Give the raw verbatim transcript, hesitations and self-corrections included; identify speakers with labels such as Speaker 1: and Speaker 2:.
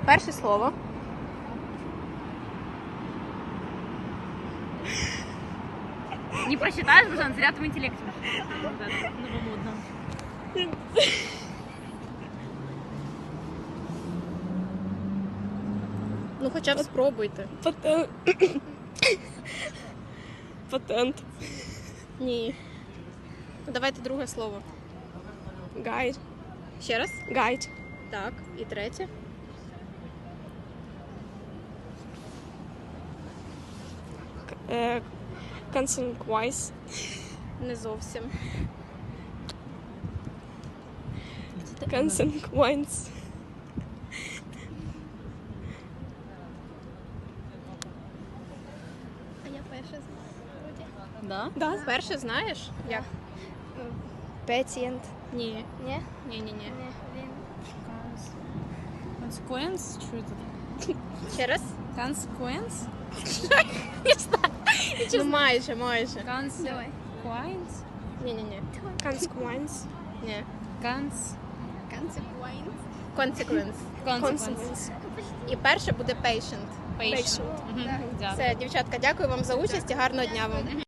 Speaker 1: перше слово.
Speaker 2: Не просчитаешь, Бажан, зря в интеллекте. Новомодно.
Speaker 1: Ну хоча б спробуйте.
Speaker 3: Патент. Патент.
Speaker 1: Ні. Ну, давайте друге слово.
Speaker 3: Гайд.
Speaker 1: Ще раз?
Speaker 3: Гайд.
Speaker 1: Так. І третє.
Speaker 3: Е, Consequence.
Speaker 1: Не зовсім.
Speaker 3: Consequence.
Speaker 1: А я перше знаю.
Speaker 2: Да?
Speaker 3: Да.
Speaker 1: Перше знаєш? Як?
Speaker 3: Patient.
Speaker 1: Ні.
Speaker 3: Ні?
Speaker 1: Ні-ні-ні.
Speaker 2: Consequence? Что это?
Speaker 1: Ще раз?
Speaker 2: Consequence?
Speaker 1: Ну майже, майже.
Speaker 2: Consequence?
Speaker 1: Ні-ні-ні.
Speaker 3: Consequence.
Speaker 1: Ні.
Speaker 2: Конс...
Speaker 1: Consequence.
Speaker 2: Consequence.
Speaker 1: І перше буде patient.
Speaker 2: Patient. Мгм. Да.
Speaker 1: Все, дівчатка, дякую вам за участь і гарного дня вам.